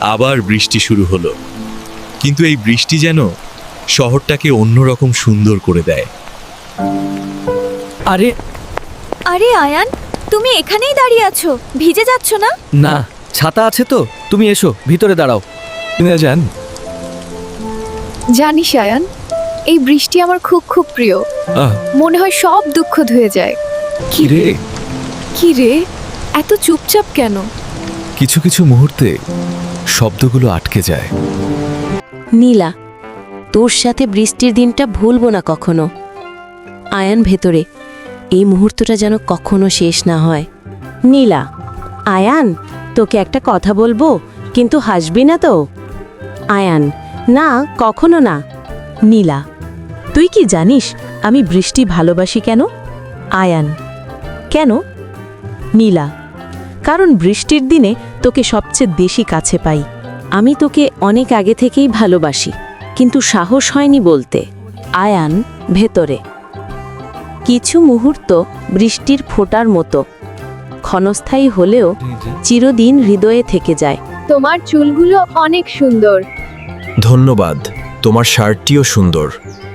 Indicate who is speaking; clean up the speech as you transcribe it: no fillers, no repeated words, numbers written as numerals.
Speaker 1: আবার বৃষ্টি শুরু হলো, কিন্তু এই বৃষ্টি যেন শহরটাকে অন্যরকম সুন্দর করে দেয়।
Speaker 2: আরে
Speaker 3: আরে আয়ান, তুমি এখানেই দাঁড়িয়ে আছো, ভিজে যাচ্ছ না?
Speaker 2: না, ছাতা আছে তো, তুমি এসো ভিতরে দাঁড়াও। না যান।
Speaker 4: জানিস আয়ান, এই বৃষ্টি আমার খুব খুব প্রিয়।
Speaker 2: আহ,
Speaker 4: মনে হয় সব দুঃখ ধুয়ে যায়।
Speaker 2: কি রে?
Speaker 4: কি রে, এত চুপচাপ কেন?
Speaker 2: কিছু কিছু মুহূর্তে শব্দগুলো আটকে যায়।
Speaker 5: নীলা, তোর সাথে বৃষ্টির দিনটা ভুলবো না কখনো। আয়ান ভেতরে, এই মুহূর্তটা যেন কখনো শেষ না হয়। নীলা, আয়ান, তোকে একটা কথা বলবো, কিন্তু হাসবি না তো? আয়ান, না, কখনো না। নীলা, তুই কি জানিস আমি বৃষ্টি ভালোবাসি কেন? আয়ান, কেন? নীলা, কারণ বৃষ্টির দিনে তোকে সবচেয়ে বেশি কাছে পাই। আমি তোকে অনেক আগে থেকেই ভালোবাসি, কিন্তু সাহস হয়নি বলতে। আয়ান ভেতরে, কিছু মুহূর্ত বৃষ্টির ফোঁটার মতো, ক্ষণস্থায়ী হলেও চিরদিন হৃদয়ে থেকে যায়।
Speaker 4: তোমার চুলগুলো অনেক সুন্দর।
Speaker 1: ধন্যবাদ, তোমার শার্টটিও সুন্দর।